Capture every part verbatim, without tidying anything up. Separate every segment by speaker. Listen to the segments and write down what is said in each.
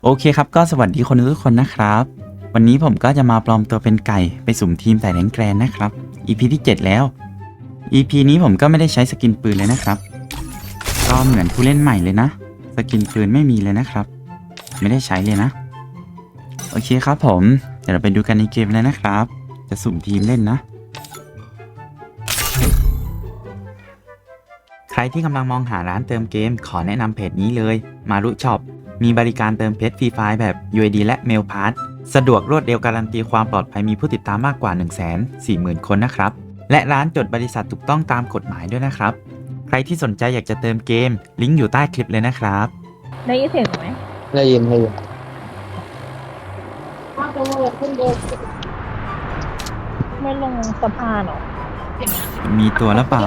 Speaker 1: โอเคครับก็สวัสดีคนทุกคนนะครับวันนี้ผมก็จะมาปลอมตัวเป็นไก่ไปสุ่มทีมแต่แรงแกรนนะครับ อี พี ที่เจ็ดแล้ว อี พี นี้ผมก็ไม่ได้ใช้สกินปืนเลยนะครับก็เหมือนผู้เล่นใหม่เลยนะสกินปืนไม่มีเลยนะครับไม่ได้ใช้เลยนะโอเคครับผมเดี๋ยวเราไปดูกันในเกมเลยนะครับจะสุ่มทีมเล่นนะใครที่กำลังมองหาร้านเติมเกมขอแนะนำเพจนี้เลยมารุช็อปมีบริการเติมเพชรฟรีไฟล์แบบ ยู ไอ ดี และ Mail Pass สะดวกรวดเร็วการันตีความปลอดภัยมีผู้ติดตามมากกว่า หนึ่งแสนสี่หมื่น คนนะครับและร้านจดบริษัทถูกต้องตามกฎหมายด้วยนะครับใครที่สนใจอยากจะเติมเกมลิงก์อยู่ใต้คลิปเลยนะครับ
Speaker 2: ได้ยินเสียงไหม
Speaker 3: ได้ยินได้ยิน
Speaker 2: ไม่ลงสะพานหรอ
Speaker 1: มีตัวแล้วเปล่า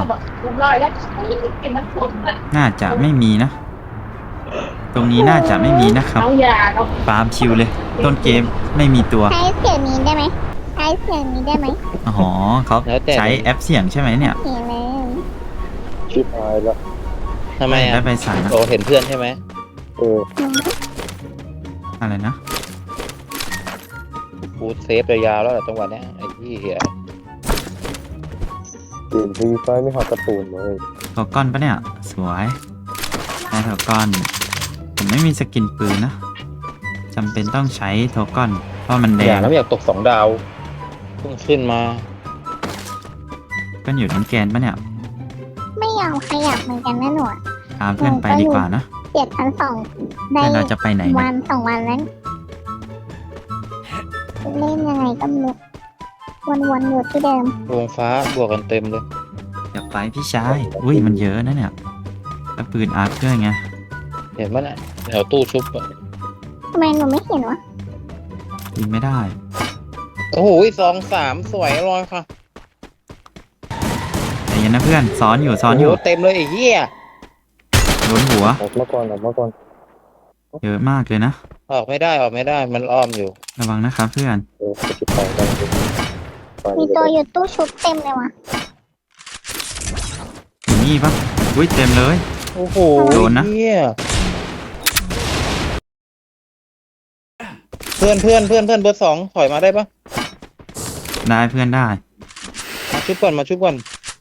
Speaker 1: น่าจะไม่มีนะตรงนี้น่าจะไม่มีนะครับฟาร์มชิวเลยต้นเกมไม่มีตัว
Speaker 4: ใช้เสียงนี้ได้ไหมใช้เสียงนี้ได้ไหม
Speaker 1: อ๋อเขาใช้แอปเสียงใช่ไหมเนี่ย
Speaker 4: เสียงเลย
Speaker 3: ชิบหายแล้วทำไมอ่ะ
Speaker 1: ได้ไปสั่งนะ
Speaker 3: โอ้เห็นเพื่อนใช่ไหมเออ
Speaker 1: อะไรนะ
Speaker 3: กูเซฟยาวๆแล้วแหละจังหวะเนี้ยไอ้ที่เหี้ยเกมฟรีไฟไม่หอดการ์ตูนเลย
Speaker 1: ถอก้อนปะเนี่ยสวยได้ถอก้อนผมไม่มีสกินปืนนะจำเป็นต้องใช้โทก้อนเพราะมันแด
Speaker 3: อย่าง แล้วอยากตกสองดาวเพิ่งขึ้นมา
Speaker 1: ก็อยู่ทั้งแกนปะเนี่ย
Speaker 4: ไม่ยอมขยับเหมือนกันนะหนู
Speaker 1: ตามเพื่อนไปดีกว่านะ
Speaker 4: เจ็ดพันสองได้
Speaker 1: เราจะไปไหน
Speaker 4: วันสองวันแล้วเล่นยังไงก็ไม่รู้วนๆอยู่ที่เดิม
Speaker 3: วงฟ้าบวกกันเต็มเลย
Speaker 1: อยากไปพี่ชายอุ้ยมันเยอะนะเนี่ยแล้วปืนอาร์คด้วยไง
Speaker 3: เห็นมั้ยน่ะแถวตู้ชุบอ่ะ
Speaker 4: ทำไมหนูไม่เห็นวะ
Speaker 1: ยิงไม่ได้
Speaker 3: โอ้โหสองสามสวยรอยค่ะ
Speaker 1: แต่ยันนะเพื่อนซ้อนอยู่ซ้อนอยู่
Speaker 3: เต็มเลยไอ้เหี้ย
Speaker 1: โดนหัว
Speaker 3: ออกมาก่อนออกมาก่อน
Speaker 1: เยอะมากเลยนะ
Speaker 3: ออกไม่ได้ออกไม่ได้มันอ้อมอยู่
Speaker 1: ระวังนะครับเพื่อน
Speaker 4: มีตัวอยู่ตู้ชุบเต็มเลยวะ
Speaker 1: อยู่นี่ปะอุ้ยเต็มเลย
Speaker 3: โอ้โห
Speaker 1: โดนนะ
Speaker 3: เพื่อนเพื่อนเพื่อนเพื่อนเบอร์สองถอยมาได้ปะ
Speaker 1: ได้เพื่อนได้
Speaker 3: มาชุบก่อนมาชุบก่อน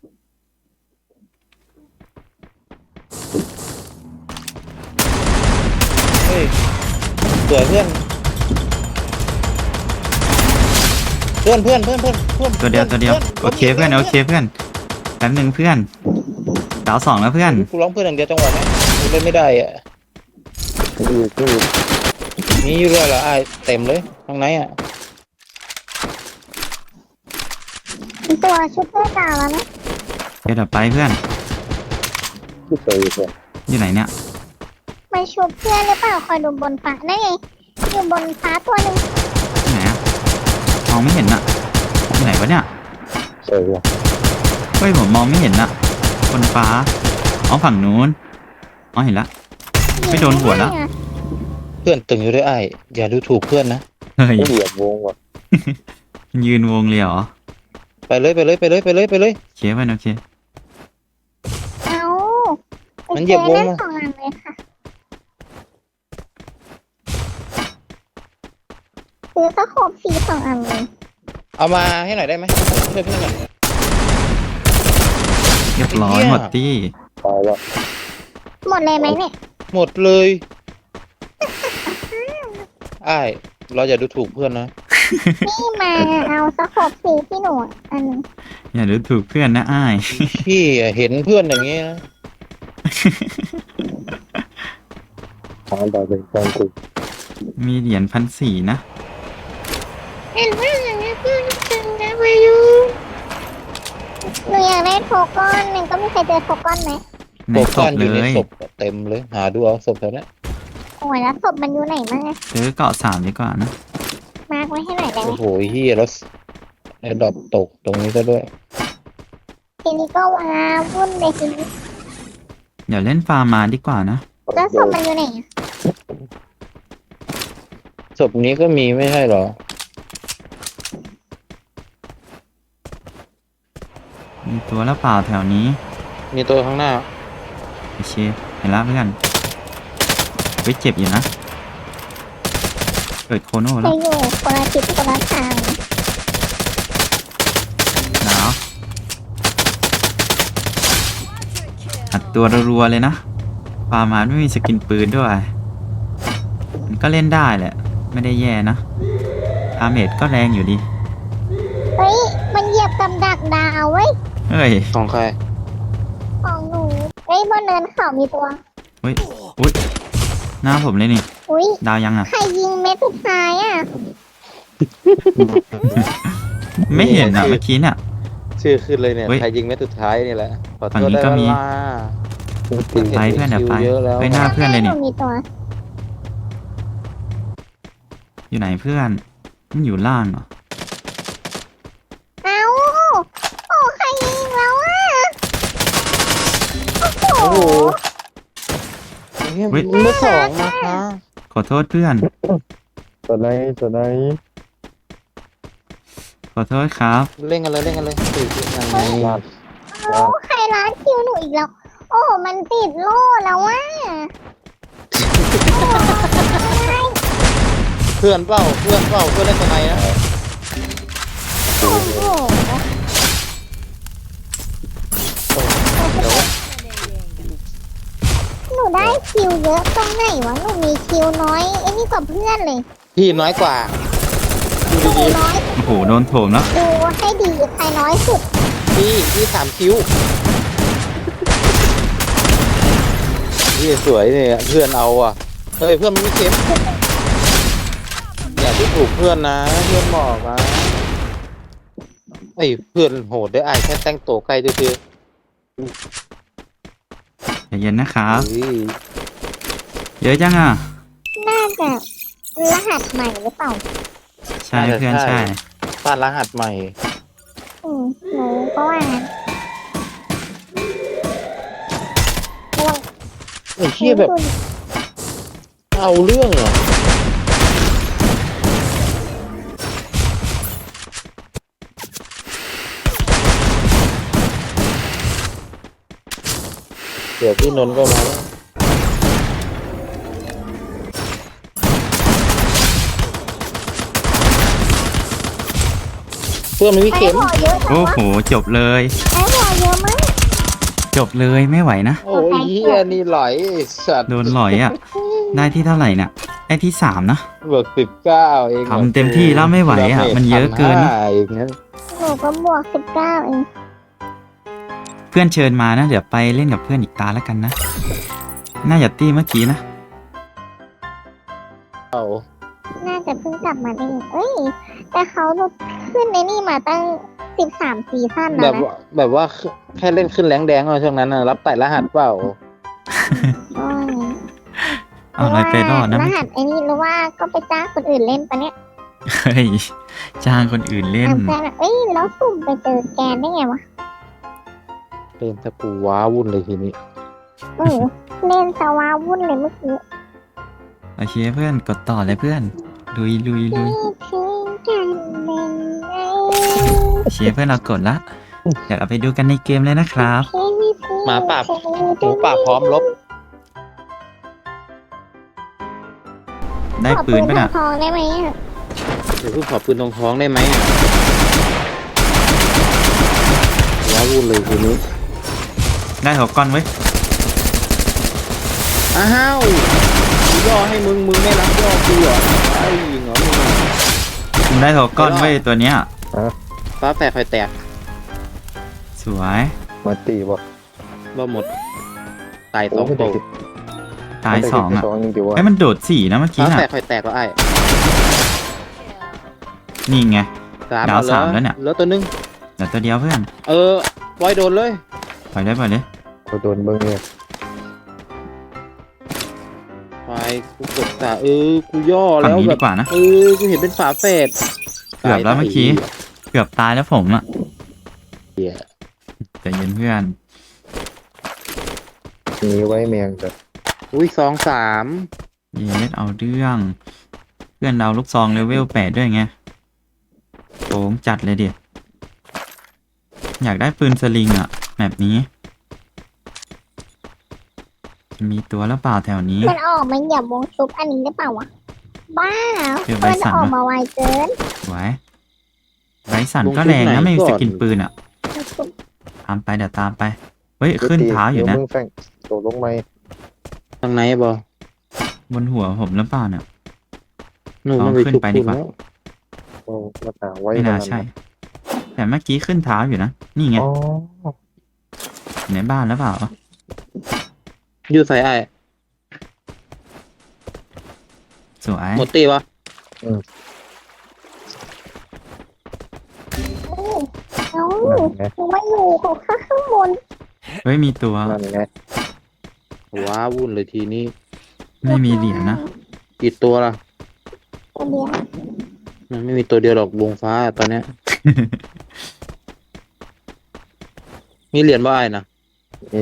Speaker 3: เฮ้ยสวยเพื่อนเพื่อนเพื่อนเพื่อนเพื่อนเพื่อน
Speaker 1: ตัวเดียวตัวเดียวโอเคเพื่อนโอเคเพื่อนแป๊บหนึ่งเพื่อนดาวสองแล้วเพื่อน
Speaker 3: กูร้องเพื่อนอย่างเดียวจังหวะนี้กูเล่นไม่ได้อ่ะนี่อยู่ด้วยเหรอไอ้เต็มเลยข้างในอ่ะ
Speaker 4: ตัวชุบเพื่อนตาแล้วนะ
Speaker 1: เดี๋ยวไปเพื่อนอยู่ไหนเนี่ย
Speaker 4: มาชุบเพื่อนหรือเปล่าคอยดูบนฟ้าได้ไงอยู่บนฟ้าตัวหนึ่ง
Speaker 1: ไหนอะมองไม่เห็นอะที่ไหนวะเนี่ยเฮ้ยผมมองไม่เห็นอะบนฟ้าอ๋อฝั่งนู้นอ๋อเห็นละไม่โดนหัวแล้ว
Speaker 3: เพื่อนตึงอยู่ด้วยไอ้อย่าดูถูกเพื่อนนะ
Speaker 1: เฮ้ย
Speaker 3: เหยียบวงว่ะ
Speaker 1: ยืนวงเลยเหรอ
Speaker 3: ไปเลยไปเลยไปเลยไปเลยไปเลย
Speaker 1: โอเคไปโอเค
Speaker 4: เอา
Speaker 3: มันเหยียบวงมา
Speaker 4: สองอันเลยค่ะซื้อสะโคบฟรีสองอันเลย
Speaker 3: เอามาให้หน่อยได้ไหมช่วยเพื่อนหน่อย
Speaker 1: เรียบร้อยหมดที่
Speaker 3: ตายแล้ว
Speaker 4: หมดเลยไหมเนี่ย
Speaker 3: หมดเลยไอ้เราอย่าดูถูกเพื่อนนะ
Speaker 4: นี่มาเอาสะโคบฟรีที่หนูอัน
Speaker 1: อย่าดูถูกเพื่อนนะอ้าย
Speaker 3: พี่เห็นเพื่อนอย่างนี้นะทางดาวเป็นการคุย
Speaker 1: มีเหรียญพันสี่นะ
Speaker 4: เห็นเพื่อนอย่างนี้เพื่อนตึงนะไปอยู่หนูอยากได้โทก้อนหนึ่งก็มีใครเจอโทก้อนไหม
Speaker 1: ในศพเลย
Speaker 3: เต็มเลยหาดูเอาศพแถวนี้
Speaker 4: โอ้ยแล้วศพมันอยู่ไหนมั่ง
Speaker 1: ซื้อเกาะสามดีกว่านะ
Speaker 4: มาร์กไว้ให้หน่อยได้ไหม
Speaker 3: โอ้โหเฮียแล้วไอ้ดอกตกตรงนี้ก็ด้วย
Speaker 4: ทีนี้ก็ว้าวุ่นเลยทีนี้
Speaker 1: เดี๋ยวเล่นฟาร์มมาดีกว่านะ
Speaker 4: แล้วศพมันอยู่ไหน
Speaker 3: ศพนี้ก็มีไม่ใช่หรอ
Speaker 1: มีตัวแล้วเปล่าแถวนี้
Speaker 3: มีตัวข้างหน้า
Speaker 1: โอเคเห็นแล้วเพื่อนไปเจ็บอยู่นะเกิดโคโน่
Speaker 4: ไป
Speaker 1: แล้ว
Speaker 4: อยู่คนละทิศคนละทาง
Speaker 1: หนาวอัดตัวรัวๆเลยนะฟาร์มานไม่มีสกินปืนด้วย มันก็เล่นได้แหละ ไม่ได้แย่นะอาเมจก็แรงอยู่ดี
Speaker 4: เฮ้ยมันเหยียบกับดักดาวเว้ย
Speaker 1: เฮ้ย
Speaker 3: ของใคร
Speaker 4: ของหนูเฮ้ยบนเนินเขามีตัว
Speaker 1: เฮ้ยอุ้ยหน้าผมเลยนี่
Speaker 4: อุ้ย
Speaker 1: ดาวยังอ่ะ
Speaker 4: ใครยิงเม็ดสุดท้ายอ่ะ
Speaker 1: ไม่เห็นอ่ะเมื่อกี้เนี่ย
Speaker 3: ชื่อขึ้นเลยเนี่ย
Speaker 1: เฮ้ย
Speaker 3: ใครยิงเม็ดสุดท้ายนี่แหละขอโท
Speaker 1: ฝั่ง
Speaker 3: ษ
Speaker 1: นี้
Speaker 3: ได้
Speaker 1: ก็
Speaker 3: เว
Speaker 1: มี
Speaker 3: ลา
Speaker 1: ไปเพื่อนเดี๋ยวไป
Speaker 3: คิว
Speaker 1: ไป
Speaker 3: เยอะแล้ว
Speaker 1: ไปหน้าเพื่อนเลย
Speaker 4: ห
Speaker 1: นี่
Speaker 4: นูมีตัว
Speaker 1: อยู่ไหนเพื่อน มันอยู่ล่างเหรอ
Speaker 4: เอ้าโอ้ใครยิงแล้วอ่ะโอ้
Speaker 3: โอ้
Speaker 4: โห
Speaker 3: โหเฮ้ย
Speaker 1: เฮ้ย
Speaker 3: มือสองนะคะ
Speaker 1: ขอโทษเพื่อน
Speaker 5: ตัวไหนตัวไหน
Speaker 1: ขอโทษครับ
Speaker 3: เล่นกันเลยเล่นกันเลยสี่สิบยังไง
Speaker 5: ลาด
Speaker 4: เอ้าใครร้านคิวหนูอีกแล้ว โอ้มันติดโล่แล้วว่ะ
Speaker 3: เพื่อนเปล่าเพื่อนเปล่าเพื่อนเล่นตัวไหนนะ
Speaker 4: โอ้โห
Speaker 3: เดี๋ยว
Speaker 4: หนูได้คิวเยอะตรงไหนวะ หนูมีคิวน้อยไอ้นี่กว่าเพื่อนเลย
Speaker 3: ทีมน้อยกว่าดู
Speaker 4: หนู
Speaker 3: ดี
Speaker 4: น้อย
Speaker 1: โอ้โห โดนโถมแล้ว
Speaker 4: ดูให้ดีใครน้อยสุด
Speaker 3: ๆพี่พี่สามคิวนี่สวยเนี่ยเพื่อนเอาอ่ะเฮ้ยเพื่อนมันไม่เก็บอย่าดูถูกเพื่อนนะเพื่อนบอกนะไอ้ยเพื่อนโหดได้ไอ้แค่แต่งตัวใกล้ซื่อ
Speaker 1: ใจเย็นนะครับ
Speaker 3: ๆอุ้ย
Speaker 1: เยอะจังอ่ะ
Speaker 4: น่าจะรหัสใหม่หรือเปล่า
Speaker 1: ใช่เพื่อนใช่
Speaker 3: บ้านรหัสใหม่
Speaker 4: อืมหนูก็ว่างั้นระวัง
Speaker 3: ไอ้เชี่ยแบบเอาเรื่องเหรอเดี๋ยวพี่นนท์ก็มาแล้วเพื่อนมันมี
Speaker 4: ไอ้
Speaker 3: เข็ม
Speaker 4: พอเยอะจัง
Speaker 1: โอ้
Speaker 4: วะ
Speaker 1: โห จบเลย
Speaker 4: ไอ้พอเยอะมาก
Speaker 1: จบเลยไม่ไหวนะ
Speaker 3: โอ้ยเฮียนี่ไหลไอ้สัตว์
Speaker 1: โดนหลอยอ่ะ ได้ที่เท่าไหร่เนี่ยได้ที่สามนะ
Speaker 3: เบิกสิบเก้าเอง
Speaker 1: ทำเต็มที่แล้วไม่ไหวอะมันเยอะเกินนะ
Speaker 3: อย่างนั้น
Speaker 4: หนูก็บวกสิบเก้าเอง
Speaker 1: เพื่อนเชิญมานะ เดี๋ยวไปเล่นกับเพื่อนอีกตาแล้วกันนะ น่าจะตีเมื่อกี้นะ
Speaker 3: เอา
Speaker 4: น่าจะเพิ่งกลับมาได้เอ้ย แต่เขาขึ้นในนี่มาตั้งสิบสามซีซั่น
Speaker 3: แบ
Speaker 4: แล้ว
Speaker 3: บ
Speaker 4: นะ
Speaker 3: ว่าแบบว่าแค่เล่นขึ้นแรงแดงเอาช่วงนั้นน่ะรับไต่รหัสเปล่า
Speaker 4: ก็ว่างั้น
Speaker 1: เอาอะไรไปรอดนะ
Speaker 4: รหัสไอ้นี่หรือว่าก็ไปจ้างคนอื่นเล่นปะเนี่ย
Speaker 1: เฮ้ย จ้างคนอื่นเล่น
Speaker 4: อ่ะแฟนอะเอ้ยแล้วสุ่มไปเจอแกนได้ไงวะ
Speaker 3: เล่นตะปูว้าวุ่นเลยทีนี้
Speaker 4: เออเล่นสวาวุ่นเลยเมื่อกี้
Speaker 1: โอเคเพื่อนกดต่อเลยเพื่อน ลุยลุยลุย
Speaker 4: คิดถึงกันเป็นไง
Speaker 1: เชียร์เพื่อนเรากดละ เดี๋ยวเราไปดูกันในเกมเลยนะครับ
Speaker 3: หมาป่าหมูป่าพร้อมลบ
Speaker 1: ได้ปืนปะน่ะ
Speaker 4: ขอทองได้ไหมอะ
Speaker 3: เดี๋ยวเพิ่งขอปืนตรงท้องได้ไหมว้าวุ่นเลยทีนี้
Speaker 1: ได้หัวก้อนไว้ย
Speaker 3: อ้าวกูย่อให้มึงมึงไม่รับย่อกูเหรอไอ้ยิงเหรอมึง
Speaker 1: ผมได้หัวก้อนไว้ยตัวเนี้ย
Speaker 3: ฟ้าแฝดไฟแตก
Speaker 1: สวย
Speaker 5: มาตีบอก
Speaker 3: บ่หมดตายสอง
Speaker 5: โไม่
Speaker 3: โต
Speaker 5: ได้
Speaker 1: ตายสองอ่ะ
Speaker 5: สองอย่างเดียว
Speaker 1: ไอ้ยมันโดดสี่นะเมื่อกี้
Speaker 3: ฟ้า
Speaker 1: น่ะ
Speaker 3: แฝดไฟแตกแล้วไอ้
Speaker 1: นี่ไง
Speaker 3: สาม
Speaker 1: ดาว
Speaker 3: เอ
Speaker 1: สามแล้วเนี่ย
Speaker 3: แล้วตัวนึง
Speaker 1: เดี๋ยวตัวเดียวเพื่อน
Speaker 3: เออไว้โดนเลย
Speaker 1: ปล่อยเลยปล่อยเลย
Speaker 5: เขาโดนเบิ้งเนี่ย
Speaker 3: ไฟกูกดตาเออกูย่อ
Speaker 1: ฝั่ง
Speaker 3: แล้ว
Speaker 1: นี้
Speaker 3: แบ
Speaker 1: ดี
Speaker 3: บ
Speaker 1: กว่านะ
Speaker 3: เออกูเห็นเป็นฝาแฝด
Speaker 1: เกือบแล้วเมื่อกี้ เกือบตายแล้วผมอ่ะ
Speaker 3: เหี้ย
Speaker 1: แต่เย็นเพื่อน
Speaker 5: หนีไว้แมงแต่
Speaker 3: อุ้ยสองสาม
Speaker 1: เยสเอาเรื่อง เพื่อนเราลูกซองเลเวลแปดด้วยไงโงจัดเลยเด็ดอยากได้ปืนสลิงอ่ะ แบบนี้ จะมีตัวแล้วเปล่าแถวนี้
Speaker 4: มันออกมาเหยียบวงชุบอันนี้ได้เปล่าวะบ้า
Speaker 1: เจอใบ
Speaker 4: เพื่อน
Speaker 1: สั่น
Speaker 4: ออก
Speaker 1: วะ
Speaker 4: มาไวเกิน
Speaker 1: สวยไบรท์สันก็แรงนะไม่มีสกินปืนอ่ะ ตามไปเดี๋ยวตามไป เฮ้ย ขึ้นเท้าอยู่นะ
Speaker 5: เดี๋วมึงแฟงโดดลงไหม
Speaker 3: ทางไหนบ่
Speaker 1: บนหัวผมหรือเปล่าเนี่ย
Speaker 3: นู่น
Speaker 1: ลอง
Speaker 3: มันไป
Speaker 1: ขึ้น
Speaker 3: ชุบ
Speaker 1: ไปดี
Speaker 3: คุณ
Speaker 1: กว่า
Speaker 3: แล้ว
Speaker 5: โอ้มาต่างไว้
Speaker 1: ไม่น่า
Speaker 5: ขด
Speaker 1: ใช่ แต่เมื่อกี้ขึ้นเท้าอยู่นะ นี่ไง
Speaker 5: อ๋อ
Speaker 1: อยู่ในบ้านแล้วเปล่า
Speaker 3: อยู่ใส่ไอ้าย
Speaker 1: สวย
Speaker 3: หมดตีวะ
Speaker 4: เอ้า
Speaker 5: นั่นไง
Speaker 4: หนูมาอยู่ของข้างบน
Speaker 1: เฮ้ย มีตัว
Speaker 5: นั่นไง
Speaker 3: ว้าวุ่นเลยทีนี้
Speaker 1: ไม่มีเหรียญนะ
Speaker 3: กี่ตัวล่ะ
Speaker 4: ตัวเดียว
Speaker 3: มันไม่มีตัวเดียวหรอกวงฟ้าตอนเนี้ย มีเหรียญบ่ไอ้ายนะ
Speaker 5: นี่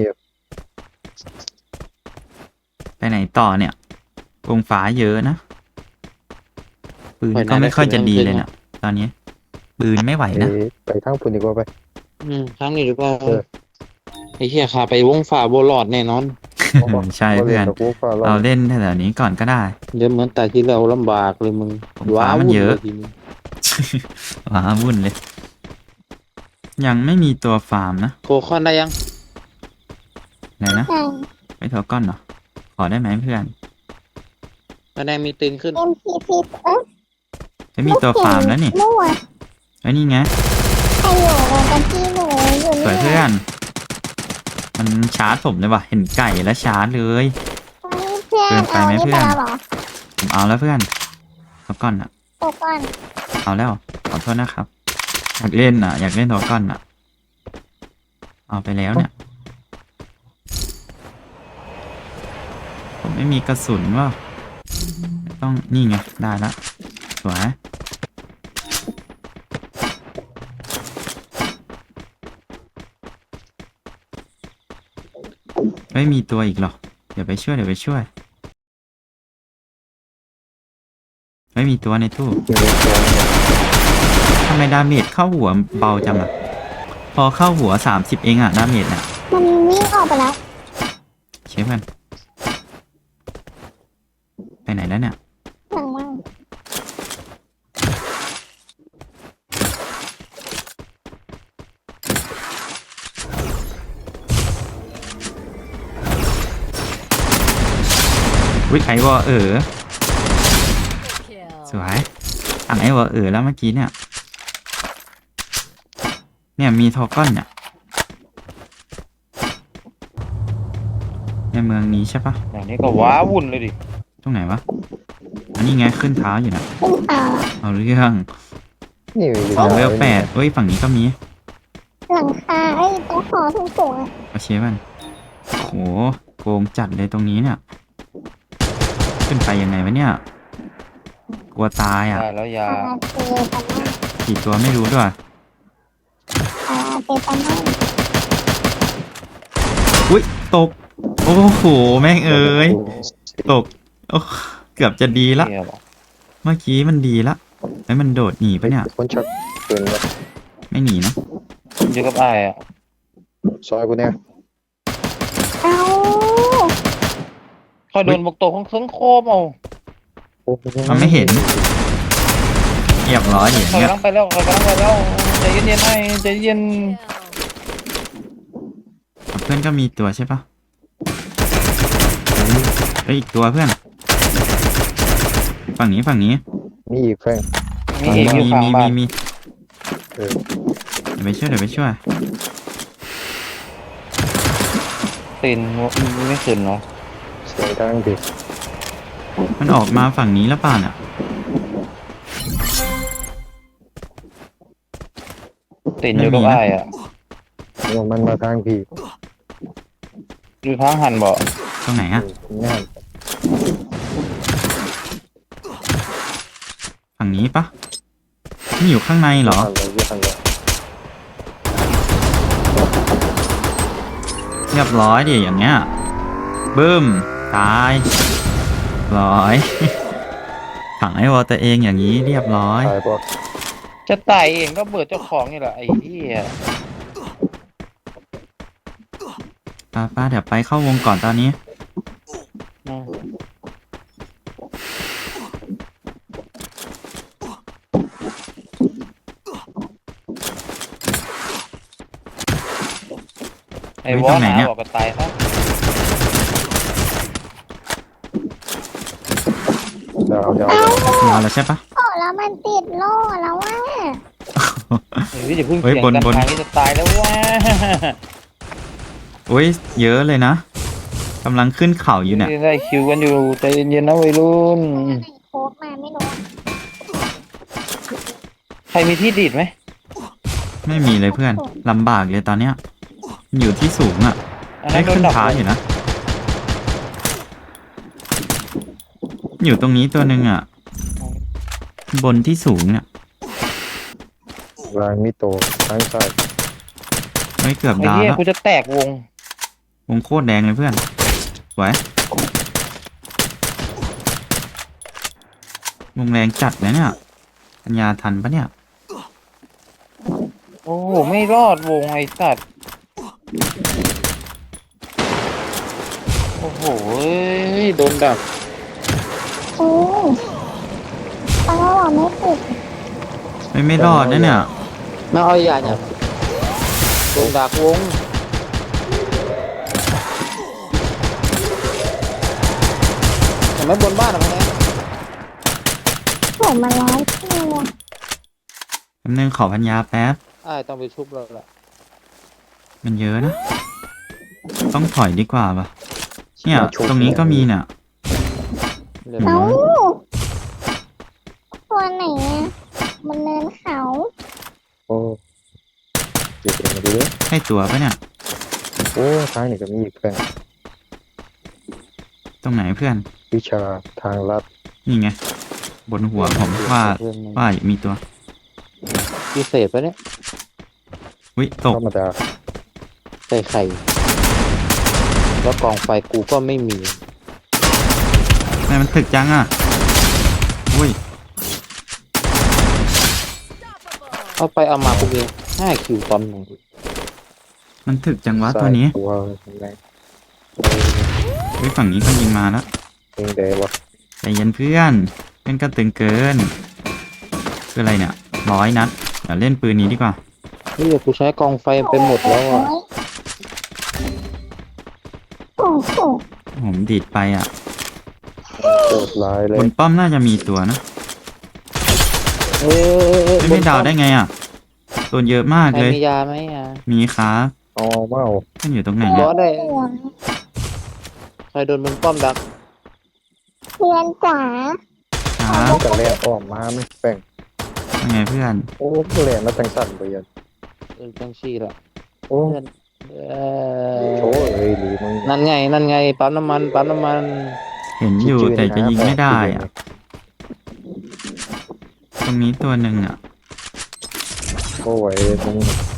Speaker 1: ไปไหนต่อเนี่ยวงฟ้าเยอะนะ ปืนก็ไม่ค่อยจะดีเลยเนี่ยตอนนี้ ปืนไม่ไหว
Speaker 5: ไป
Speaker 1: นะ
Speaker 5: ไปทางพุ่นดีกว่าไป
Speaker 3: อืมครั้งนี้ดีกว่า
Speaker 5: เออ
Speaker 3: ไอ้เหี้ยขาไปวงฟ้าโบลอดแน่นอน
Speaker 1: ใช่เพื่อน
Speaker 5: บ่ล่กับกูฟ้าร้
Speaker 1: เรา
Speaker 5: อง
Speaker 1: เล่นแถวๆนี้ก่อนก็ได้
Speaker 3: เดี๋ยวเหมือนแต่ที่เราลำบากเลยมึง
Speaker 1: วงฟ้ามันเยอะ
Speaker 3: ว้าวุ่ลทีนี้
Speaker 1: ว้าวุ่นเลย ยังไม่มีตัวฟาร์มนะ
Speaker 3: โคคอนได้ยัง
Speaker 1: ไหนนะ
Speaker 4: ใช่
Speaker 1: ไม่โทรก้อนเหรอ ขอได้ไหมเพื่อน
Speaker 3: คะแนนมีตึงขึ้น
Speaker 4: เอ็มพีซีเอ๊ะ
Speaker 1: ไม่มีตัวฟาร์มแล้วนี่
Speaker 4: มั่ว
Speaker 1: ไอ้นี่ไง
Speaker 4: ใครอยู่กันที่หนูอยู่
Speaker 1: สวย
Speaker 4: นี่
Speaker 1: เพื่อน มันชาร์จผมเลยว่ะ เห็นไก่แล้วชาร์จเลย
Speaker 4: เพื่อน
Speaker 1: เกินไป
Speaker 4: เอา
Speaker 1: ไหม
Speaker 4: นี่
Speaker 1: เพื่
Speaker 4: ไป
Speaker 1: อน
Speaker 4: แล้วเหรอ
Speaker 1: ผมเอาแล้วเพื่อนโทรก้อนอะ
Speaker 4: ตัวก่อน
Speaker 1: เอาแล้ว ขอโทษนะครับ อยากเล่นอ่ะ อยากเล่นโทรก้อนอ่ะ เอาไปแล้วเนี่ย ผมไม่มีกระสุนว่าต้องนี่ไง ได้ละสวย ไม่มีตัวอีกหรอ เดี๋ยวไปช่วย เดี๋ยวไปช่วย ไม่มีตัวในตู้
Speaker 5: มีตัวเนี่ย
Speaker 1: ทำไมดาเมจเข้าหัวเบาจังอะพอเข้าหัวสามสิบเองอะดาเมจน่ะ
Speaker 4: มันวิ่งออกไปแล้ว
Speaker 1: เชฟกันไปไหนแล้วเนี่ย
Speaker 4: หลังมั่ง
Speaker 1: วิไอวอเออสวยสั่งไอวอเออแล้วเมื่อกี้เนี่ย เนี่ยมีทอก้อนเนี่ย ในเมืองนี้ใช่ปะ
Speaker 3: อย่างนี้ก็ว้าวุ่นเลยดิ
Speaker 1: ตรงไหนวะ อันนี้ไงขึ้นเท้าอยู่นะ
Speaker 4: ขึ้นเปล่า
Speaker 1: เอาเรื่อง
Speaker 5: นี่มี
Speaker 1: สองเวลแปดเอ้ยฝั่งนี้ก็มี
Speaker 4: หลังคาไอ้ยตรงหอสูงสูงๆอะ
Speaker 1: โอเคมันโหโกงจัดเลยตรงนี้เนี่ย ขึ้นไปยังไงวะเนี่ย กลัวตายอ่ะ
Speaker 3: ได้แล้วยา
Speaker 4: อาเตปันนั่ง
Speaker 1: กี่ตัวไม่รู้ด้วย
Speaker 4: อาเตปันนั่ง
Speaker 1: อุ้ยตก โอ้โห แม่งเอ้ย ตก โอ้เกือบจะดีละ
Speaker 3: เหี้ยบอก
Speaker 1: เมื่อกี้มันดีละไอ้ยมันโดดหนีปะเนี่ย
Speaker 5: คนชักปืนมา
Speaker 1: ไม่หนีนะ
Speaker 3: อยู่กับไอ้ายอ่ะ
Speaker 5: ซอยกูเนี่ย
Speaker 4: เอ้า
Speaker 3: คอยโดนบกโตของเครื่องโคมเอา
Speaker 5: โอ้โห
Speaker 1: มันไม่เห็นเรียบร้อยอย่าง
Speaker 3: คอย
Speaker 1: เงี้ย
Speaker 3: กำลังไปแล้วคอยกำลังไปแล้วใจเย็นๆไอ้ใจเย็น
Speaker 1: เพื่อนก็มีตัวใช่ปะเฮ้ยอีกตัวเพื่อน ฝั่งนี้ฝั่งนี้
Speaker 5: มีอีกแฟง
Speaker 3: มีเอกอยู่
Speaker 1: มี
Speaker 3: ข้าง
Speaker 1: มี
Speaker 3: บ้า
Speaker 1: มี
Speaker 3: น
Speaker 1: มี
Speaker 5: เออ
Speaker 1: เดี๋ยวไปช่วยเดี๋ยวไปช่วย
Speaker 3: ตีนไม่ขึ้นเนาะ
Speaker 5: เสียงดังดิ
Speaker 1: มันออกมาฝั่งนี้แล้วป่ะเนี่ย
Speaker 3: ตีนอยู่กับไอ้ายอ่ะ
Speaker 5: มันมาทางพี่
Speaker 3: อยู่ทางหันบ่
Speaker 1: ตรงไหนอะ
Speaker 5: งาน
Speaker 1: ฝั่งนี้ปะนี่อยู่ข้างในเหรอ
Speaker 5: อะไรอยู่ข้างใน
Speaker 1: เรียบร้อยดิอย่างเงี้ยบึ้มตายร้อย ถังไอวอลตัวเองอย่างนี้เรียบร้อย
Speaker 5: ตายปะ
Speaker 3: จะตายเองก็เบิดเจ้าของนี่แหละไอ้เหี้ย
Speaker 1: ป้าป้าเดี๋ยวไปเข้าวงก่อนตอนนี้
Speaker 3: อืมไอ้
Speaker 1: เฮ้ยว
Speaker 3: อ
Speaker 1: ตรง
Speaker 3: ห
Speaker 1: ไหน
Speaker 3: นา
Speaker 1: เนี่ย
Speaker 3: บอกก็ตายซะ
Speaker 5: ดาวดาว
Speaker 1: มาแล้วใช่ปะ
Speaker 4: โอ้แล้วมันติดโล่แล้วว่า
Speaker 3: เฮ้ยอย่าเพิ่ง
Speaker 1: เฮ้ย
Speaker 3: เถียง
Speaker 1: บน
Speaker 3: กัน
Speaker 1: บน
Speaker 3: ทางนี้จะตายแล้วว้า
Speaker 1: โอ้ยเยอะเลยนะกำลังขึ้นเขาอยู่เนี่ย
Speaker 3: ได้คิวกันอยู่ใจเย็นๆนะวัยรุ่น
Speaker 4: โค้ดมาไม่รู้
Speaker 3: ใครมีที่ดีดไหม
Speaker 1: ไม่มีเลยเพื่อนลำบากเลยตอนเนี้ยอยู่ที่สูงอ่ะ
Speaker 3: อัน
Speaker 1: ได้
Speaker 3: นั้นโดน
Speaker 1: ขึ้น
Speaker 3: ดับ
Speaker 1: ท้าอยู่นะ อยู่ตรงนี้ตัวหนึ่งอ่ะ บนที่สูงเนี่ย
Speaker 5: ลางมิโตทางซ้าย
Speaker 1: ไม่เกือบ
Speaker 3: ไอ้
Speaker 1: ดาว
Speaker 3: เหี้ย
Speaker 1: แล้ว
Speaker 3: กูจะแตกวง
Speaker 1: วงโคตรแดงเลยเพื่อนสวยวงแรงจัดนะเนี่ยปัญญาทันปะเนี่ย
Speaker 3: โอ้โหไม่รอดวงไอ้สัตว์โอ้โหเอ้ยโดนดัก
Speaker 4: อือตั้งว่าไม่ติด
Speaker 1: ไม่ไม่รอดนะเนี่ย
Speaker 3: ไม่เอาอย่าเนี่ยโดนดักวงเห็นไหมบนบ้านอะมันเนี่ย
Speaker 4: ผมมาร้อยตัว
Speaker 1: แป๊บนึงขอพัญญาแป๊บ
Speaker 3: ไอ้ายต้องไปชุบเราละ
Speaker 1: มันเยอะนะ ต้องถอยดีกว่าปะเนี่ย ตรงนี้ก็มีเนี่ย
Speaker 3: เรียบ
Speaker 4: เอ้า
Speaker 3: ร้อย
Speaker 4: ตัวไหนอ่ะมันเนินเขา
Speaker 5: โอ้เดี๋ยวมาดูดิ
Speaker 1: ใช่ตัวปะเนี่ย
Speaker 5: โอ้ทางนี้ก็มีอีกแฟง
Speaker 1: ตรงไหนเพื่อน
Speaker 5: วิชาทางลัด
Speaker 1: นี่ไง บนหัวผมว่า
Speaker 3: เพื่อนมัน
Speaker 1: ว่ามีตัว
Speaker 3: พิเศษปะเนี่ย
Speaker 1: วิตก
Speaker 5: ธรรมดา
Speaker 3: ใส่ไข่แล้วกองไฟกูก็ไม่มี
Speaker 1: ทำไมมันถึกจังอ่ะอุ้ย
Speaker 3: เอาไปเอามากูเองห้าคิวตอนหนึ่ง
Speaker 1: มันถึกจังวะ
Speaker 5: ซ้า
Speaker 1: ตัวย นี้
Speaker 5: ตัวแรง
Speaker 1: วิฝั่งนี้ก็ยิงมาแล้ว
Speaker 5: เองเดวะ
Speaker 1: ใจเย็นเพื่อนเล่นก็ตึงเกินคืออะไรเนี่ยร้อยนัดเดี๋ยวเล่นปืนนี้ดีกว่า
Speaker 3: นี่กูใช้กองไฟไปหมดแล้วอ่ะ
Speaker 4: โอ้โห
Speaker 1: ผมดีดไปอ่ะ
Speaker 5: โคตรลายเล
Speaker 1: บ
Speaker 5: ย
Speaker 1: นป้อมน่าจะมีตัวนะ
Speaker 3: เอ้ย
Speaker 1: ไม่ไม่ดาวได้ไงอ่ะตัวเยอะมาก
Speaker 3: ใคร
Speaker 1: เลย
Speaker 3: มียาไหมอ่ะ
Speaker 1: มีครับ
Speaker 5: เอาเมา
Speaker 1: มันอยู่ตรงไหน
Speaker 3: บ
Speaker 1: เนี่
Speaker 3: อย สได้
Speaker 4: ห่วง
Speaker 3: ใครโดนบนป้อมดัก
Speaker 4: เพื่อนจ๋า
Speaker 1: ครับ
Speaker 5: จะแลนออกมาไหมแฟง
Speaker 1: ยังไงเพื่อน
Speaker 5: โอ้แลนแล้วจังสั่นไปยัน
Speaker 3: เออจังชีละ
Speaker 5: โอ้
Speaker 3: เพื่อนเอ
Speaker 5: โช
Speaker 3: อ
Speaker 5: เอ้ยหรือมึง
Speaker 3: นั่นไงนั่นไงปั๊มน้ำมันปั๊มน้ำมัน
Speaker 1: เห็นอยู่แต่จะยิงไม่ได้อ่ะ ตรงนี้ตัวหนึ่งอ่ะ
Speaker 5: โอ้ยมึง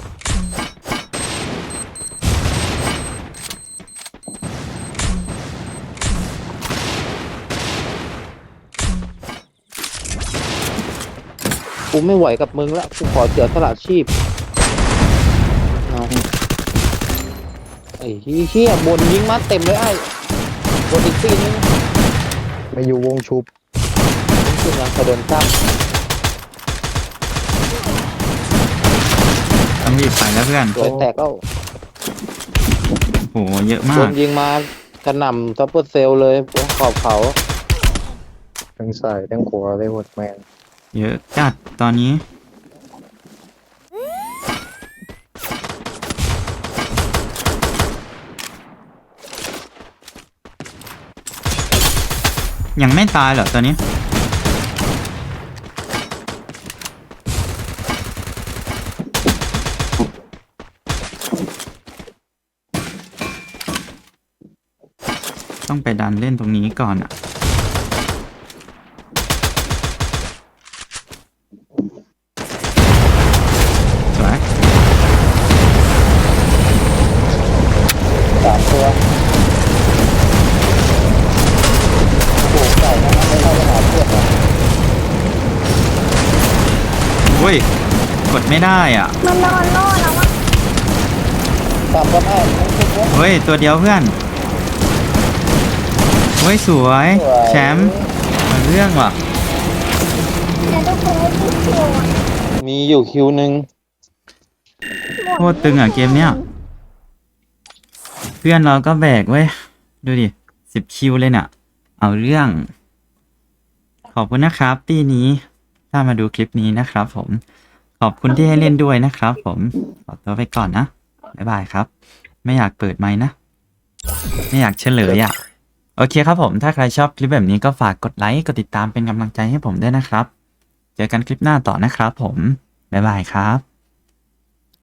Speaker 3: กูไม่ไหวกับมึงละกูขอเสียสละชีพเอาไอ้เหี้ยบนยิงมาเต็มเลยไอ้บนอีกตีนึง
Speaker 5: ไม่อยู่วงชุบ
Speaker 3: ขึ้นยังกระโดนซ้
Speaker 1: ต้องรีบไปแล้วเพื่อน
Speaker 3: ำตัวแตกแล้ว
Speaker 1: โหเยอะมา
Speaker 3: โด
Speaker 1: ก
Speaker 3: นยิงมากระหน่ำซัปเปอร์เซลเลยบนขอบเขา
Speaker 5: ทั้งซ้ายทั้งขวาเลยหมดแมน
Speaker 1: เยอะจัดตอนนี้ ยังไม่ตายเหรอตัวนี้ ต้องไปดันเล่นตรงนี้ก่อนอ่ะ สวย
Speaker 3: สามตัวโอ้โหเก่านะไม่เข้าไปหาเพื่อนนะ
Speaker 1: อุ้ย กดไม่ได้อ่ะ
Speaker 4: มันนอนโล่แล้วว่า
Speaker 3: ตามก็ได้ไม่คิดว่า
Speaker 1: เฮ้ย ตัวเดียวเพื่อน เฮ้ย สวย แชมป์มาเรื่องว่ะ
Speaker 4: จะได้คนให้ที่คิวอ่ะ
Speaker 3: มีอยู่คิวหนึ่ง
Speaker 1: โคตรตึงอ่ะเกมเนี้ยเพื่อนเราก็แบกเว้ย ดูดิสิบคิวเลยเนี่ยเอาเรื่อง ขอบคุณนะครับตีนี้ถ้ามาดูคลิปนี้นะครับผม ขอบคุณที่ให้เล่นด้วยนะครับผม ขอตัวไปก่อนนะ บ๊ายบายครับ ไม่อยากเปิดไมค์นะ ไม่อยากเฉลยอ่ะ โอเคครับผม ถ้าใครชอบคลิปแบบนี้ก็ฝากกดไลค์ กดติดตามเป็นกำลังใจให้ผมด้วยนะครับ เจอกันคลิปหน้าต่อนะครับผม บ๊ายบายครับ